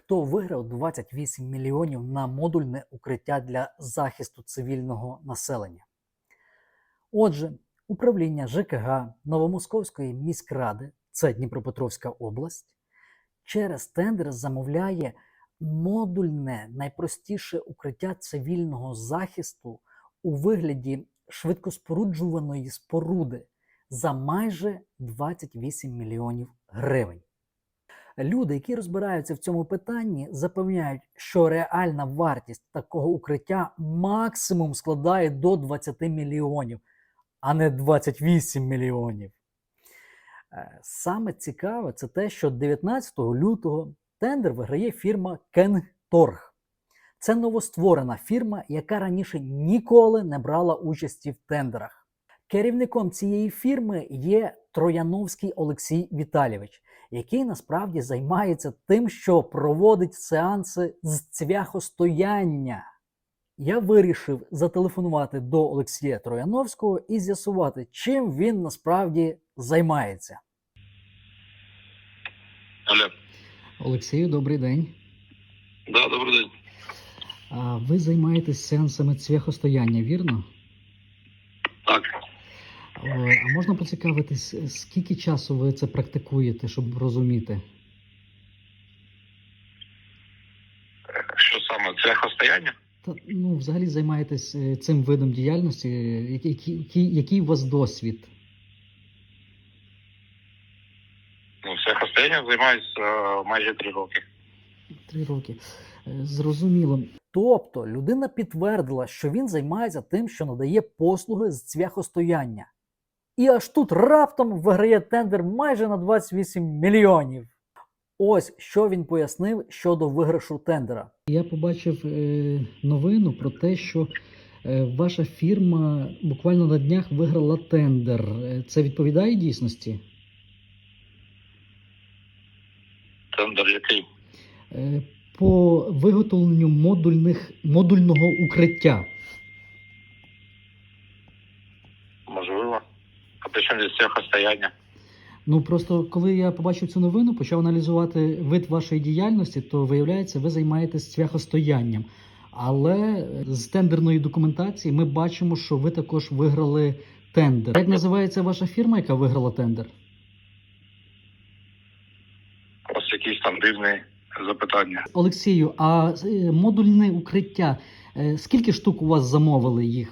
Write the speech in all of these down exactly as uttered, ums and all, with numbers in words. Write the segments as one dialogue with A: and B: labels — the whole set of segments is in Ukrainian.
A: хто виграв двадцять вісім мільйонів на модульне укриття для захисту цивільного населення. Отже, управління ЖКГ Новомосковської міськради, це Дніпропетровська область, через тендер замовляє модульне найпростіше укриття цивільного захисту у вигляді швидкоспоруджуваної споруди за майже двадцять вісім мільйонів гривень. Люди, які розбираються в цьому питанні, запевняють, що реальна вартість такого укриття максимум складає до двадцять мільйонів, а не двадцять вісім мільйонів. Саме цікаве це те, що дев'ятнадцятого лютого тендер виграє фірма Кенторг. Це новостворена фірма, яка раніше ніколи не брала участі в тендерах. Керівником цієї фірми є Трояновський Олексій Віталійович, який насправді займається тим, що проводить сеанси з цвяхостояння. Я вирішив зателефонувати до Олексія Трояновського і з'ясувати, чим він насправді займається.
B: Алло.
A: Олексію, добрий день.
B: Да, добрий день.
A: А ви займаєтесь сеансами цвяхостояння, вірно?
B: Так.
A: А можна поцікавитись, скільки часу ви це практикуєте, щоб розуміти?
B: Що саме? Цвяхостояння?
A: Та, ну, взагалі займаєтесь цим видом діяльності. Який, який, який у вас досвід?
B: Ну, цвяхостоянням займаюся майже три роки.
A: Три роки. Зрозуміло. Тобто людина підтвердила, що він займається тим, що надає послуги з цвяхостояння. І аж тут раптом виграє тендер майже на двадцять вісім мільйонів. Ось що він пояснив щодо виграшу тендера. Я побачив е, новину про те, що е, ваша фірма буквально на днях виграла тендер. Це відповідає дійсності?
B: Тендер який?
A: Е, по виготовленню модульних, модульного укриття.
B: Можливо. А при чому здесь цвяхостояння?
A: Ну, просто коли я побачив цю новину, почав аналізувати вид вашої діяльності, то виявляється, ви займаєтесь цвяхостоянням. Але з тендерної документації ми бачимо, що ви також виграли тендер. Як називається ваша фірма, яка виграла тендер?
B: Ось якісь там дивні запитання.
A: Олексію, а е, модульне укриття, е, скільки штук у вас замовили їх?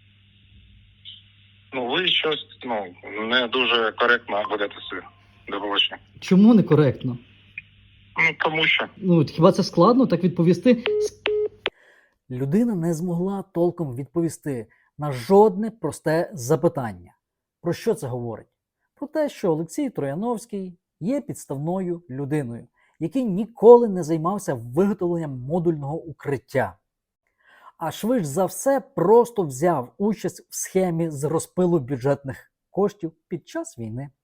B: Ну, ви щось, ну, не дуже коректно ведете себе до оголошення.
A: Чому некоректно?
B: Ну, тому що.
A: Ну, хіба це складно так відповісти? Людина не змогла толком відповісти на жодне просте запитання. Про що це говорить? Про те, що Олексій Трояновський є підставною людиною, який ніколи не займався виготовленням модульного укриття. А швидше за все просто взяв участь в схемі з розпилу бюджетних коштів під час війни.